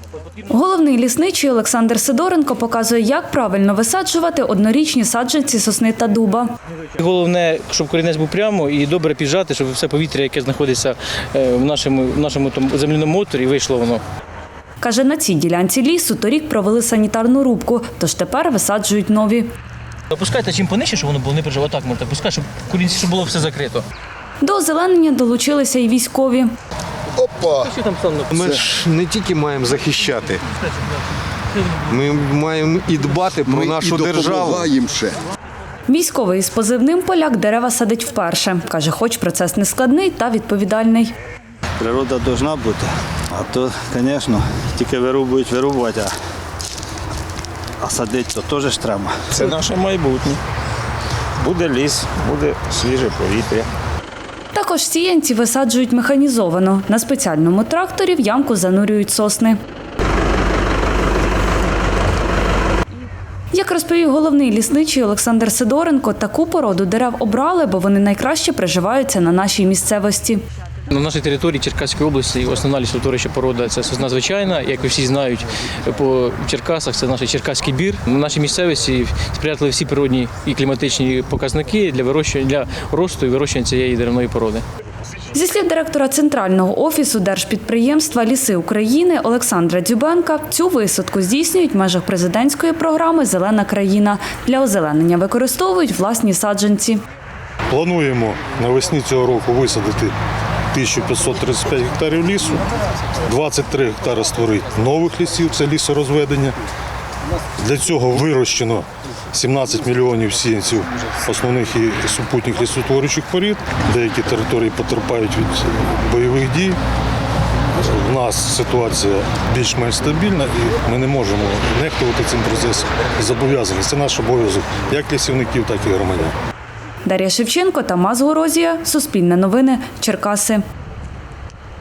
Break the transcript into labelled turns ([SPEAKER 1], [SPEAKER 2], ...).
[SPEAKER 1] Головний лісничий Олександр Сидоренко показує, як правильно висаджувати однорічні саджанці сосни та дуба.
[SPEAKER 2] Головне, щоб корінець був прямо і добре піджати, щоб все повітря, яке знаходиться в нашому земляному моторі, вийшло воно.
[SPEAKER 1] Каже, на цій ділянці лісу торік провели санітарну рубку, тож тепер висаджують нові.
[SPEAKER 2] Опускайте чим понижче, щоб воно було не прижало. Так можна опускати, щоб корінці, щоб було все закрито.
[SPEAKER 1] До озеленення долучилися і військові.
[SPEAKER 3] Опа! Ми ж не тільки маємо захищати, ми маємо і дбати про нашу державу.
[SPEAKER 1] Військовий із позивним «Поляк» дерева садить вперше. Каже, хоч процес не складний та відповідальний.
[SPEAKER 4] Природа повинна бути, а то, звісно, тільки вирубувати, а садити то теж треба.
[SPEAKER 5] Це наше майбутнє. Буде ліс, буде свіже повітря.
[SPEAKER 1] Також сіянці висаджують механізовано. На спеціальному тракторі в ямку занурюють сосни. Як розповів головний лісничий Олександр Сидоренко, таку породу дерев обрали, бо вони найкраще приживаються на нашій місцевості.
[SPEAKER 2] На нашій території Черкаської області основна лісотворюча порода – це сосна звичайна. Як ви всі знають, по Черкасах це наш черкаський бір. На нашій місцевості сприятливі всі природні і кліматичні показники для росту і вирощування цієї деревної породи.
[SPEAKER 1] Зі слів директора Центрального офісу держпідприємства «Ліси України» Олександра Дзюбенка, цю висадку здійснюють в межах президентської програми «Зелена країна». Для озеленення використовують власні саджанці.
[SPEAKER 6] Плануємо навесні цього року висадити 1535 гектарів лісу, 23 гектари створити нових лісів, це лісорозведення. Для цього вирощено 17 мільйонів сіянців основних і супутніх лісотворючих порід. Деякі території потерпають від бойових дій. У нас ситуація більш-менш стабільна і ми не можемо нехтувати цим процесом. Зобов'язані. Це наш обов'язок як лісівників, так і громадян.
[SPEAKER 1] Дар'я Шевченко, Тамас Горозія, Суспільне новини, Черкаси.